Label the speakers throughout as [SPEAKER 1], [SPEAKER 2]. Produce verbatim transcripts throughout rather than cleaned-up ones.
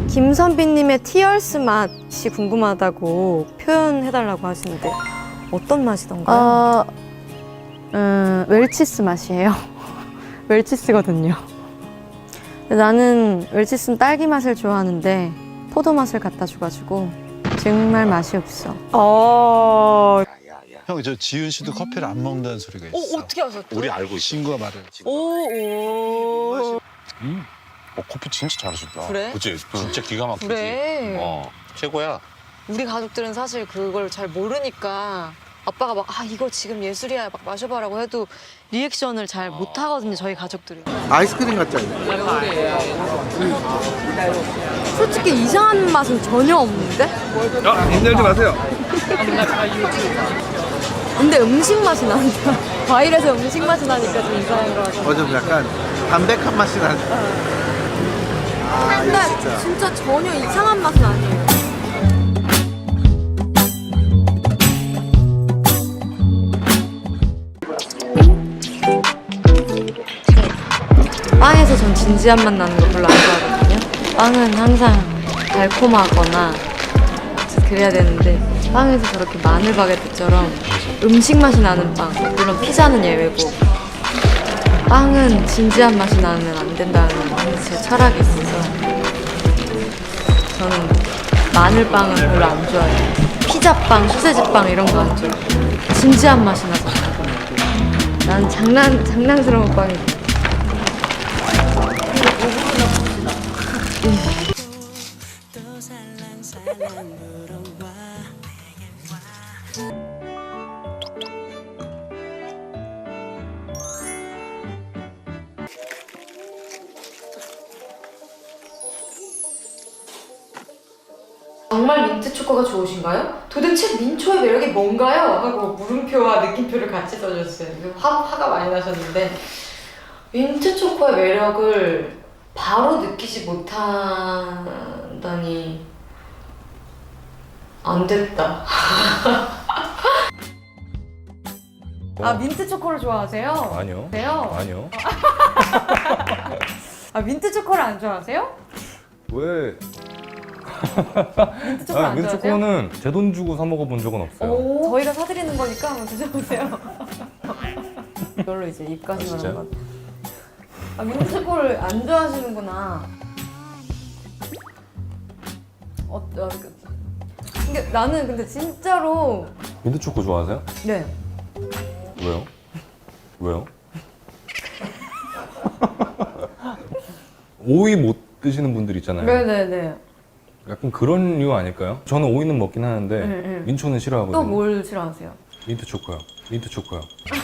[SPEAKER 1] 김선비님의 티얼스 맛이 궁금하다고 표현해달라고 하시는데 어떤 맛이던가요?
[SPEAKER 2] 어, 음, 웰치스 맛이에요. 웰치스거든요. 나는 웰치스는 딸기 맛을 좋아하는데 포도 맛을 갖다 줘가지고 정말 맛이 없어.
[SPEAKER 1] 어...
[SPEAKER 3] 형, 저 지윤 씨도 커피를 안 먹는다는 소리가 있어.
[SPEAKER 1] 어, 어떻게 아셨죠?
[SPEAKER 3] 우리 알고 있어. 친구가 말을.
[SPEAKER 1] 오, 오.
[SPEAKER 4] 음. 어, 커피 진짜 잘하셨다.
[SPEAKER 1] 그래?
[SPEAKER 4] 그치? 진짜 기가 막히지.
[SPEAKER 1] 그래.
[SPEAKER 4] 어, 최고야.
[SPEAKER 1] 우리 가족들은 사실 그걸 잘 모르니까 아빠가 막 아 이거 지금 예술이야 막 마셔봐라고 해도 리액션을 잘 못하거든요, 저희 가족들이.
[SPEAKER 5] 아이스크림 같지 않냐?
[SPEAKER 1] 솔직히 이상한 맛은 전혀 없는데?
[SPEAKER 5] 야, 힘들지 마세요.
[SPEAKER 1] 근데 음식 맛이 난다. 과일에서 음식 맛이 나니까 좀 이상한 거 같아.
[SPEAKER 5] 어, 좀 약간 담백한 맛이 나네. 아, 이거
[SPEAKER 1] 근데
[SPEAKER 5] 진짜.
[SPEAKER 1] 진짜 전혀 이상한 맛은 아니에요. 빵에서 전 진지한 맛 나는 거 별로 안 좋아하거든요. 빵은 항상 달콤하거나 그래야 되는데 빵에서 저렇게 마늘 바게트처럼 음식 맛이 나는 빵, 물론 피자는 예외고 빵은 진지한 맛이 나면 안 된다는 제 철학이 있어서 저는 마늘빵은 별로 안 좋아해요. 피자빵, 소세지빵 이런 거 안 좋아해요. 진지한 맛이 나서 난 장난, 장난스러운 빵이 정말 민트 초코가 좋으신가요? 도대체 민초의 매력이 뭔가요? 하고 물음표와 느낌표를 같이 써줬어요. 화, 화가 많이 나셨는데 민트 초코의 매력을 바로 느끼지 못한다니 안 됐다. 아 민트 초코를 좋아하세요?
[SPEAKER 6] 아니요.
[SPEAKER 1] 네요?
[SPEAKER 6] 아니요.
[SPEAKER 1] 아 민트 초코를 안 좋아하세요?
[SPEAKER 6] 왜?
[SPEAKER 1] 민트 초코
[SPEAKER 6] 아,
[SPEAKER 1] 안
[SPEAKER 6] 민트
[SPEAKER 1] 좋아하세요?
[SPEAKER 6] 초코는 제 돈 주고 사 먹어본 적은 없어요.
[SPEAKER 1] 오, 저희가 사드리는 거니까 한번 드셔보세요. 이걸로 이제
[SPEAKER 6] 아,
[SPEAKER 1] 입가심
[SPEAKER 6] 진짜요?
[SPEAKER 1] 하는 것. 아 민트 초코를 안 좋아하시는구나. 어, 어, 그, 근데 나는 근데 진짜로
[SPEAKER 6] 민트 초코 좋아하세요?
[SPEAKER 1] 네.
[SPEAKER 6] 왜요? 왜요? 오이 못 드시는 분들 있잖아요.
[SPEAKER 1] 네네네.
[SPEAKER 6] 약간 그런 이유 아닐까요? 저는 오이는 먹긴 하는데
[SPEAKER 1] 네, 네.
[SPEAKER 6] 민초는 싫어하거든요.
[SPEAKER 1] 또 뭘 싫어하세요?
[SPEAKER 6] 민트 초코요. 민트 초코요.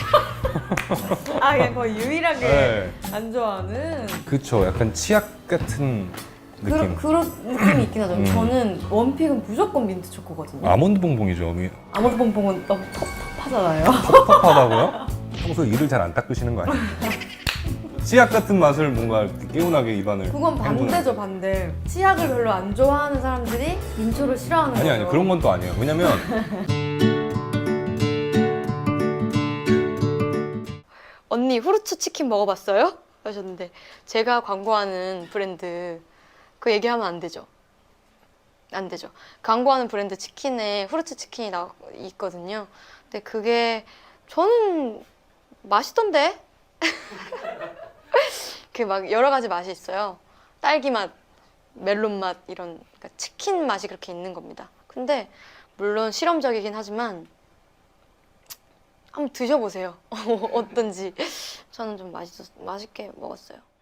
[SPEAKER 1] 아 그냥 거의 유일하게
[SPEAKER 6] 네.
[SPEAKER 1] 안 좋아하는
[SPEAKER 6] 그쵸. 약간 치약 같은 느낌.
[SPEAKER 1] 그런, 그런 느낌이 있긴 하죠.
[SPEAKER 6] 음.
[SPEAKER 1] 저는 원픽은 무조건 민트 초코거든요.
[SPEAKER 6] 아몬드 봉봉이죠. 미-
[SPEAKER 1] 아몬드 봉봉은 너무 텁텁하잖아요.
[SPEAKER 6] 텁텁하다고요? 평소 이를 잘 안 닦으시는 거 아니에요? 치약 같은 맛을 뭔가 이렇게 개운하게 입안을
[SPEAKER 1] 그건 반대죠, 반대. 치약을 별로 안 좋아하는 사람들이 민초를 싫어하는
[SPEAKER 6] 아니
[SPEAKER 1] 거예요.
[SPEAKER 6] 아니 그런 건 또 아니에요. 왜냐면
[SPEAKER 1] 언니 후르츠 치킨 먹어봤어요? 하셨는데 제가 광고하는 브랜드 그 얘기하면 안 되죠. 안 되죠. 광고하는 브랜드 치킨에 후르츠 치킨이 나 있거든요. 근데 그게 저는 맛있던데? 그 막 여러 가지 맛이 있어요. 딸기 맛, 멜론 맛 이런 그러니까 치킨 맛이 그렇게 있는 겁니다. 근데 물론 실험적이긴 하지만 한번 드셔보세요. 어떤지. 저는 좀 맛있었, 맛있게 먹었어요.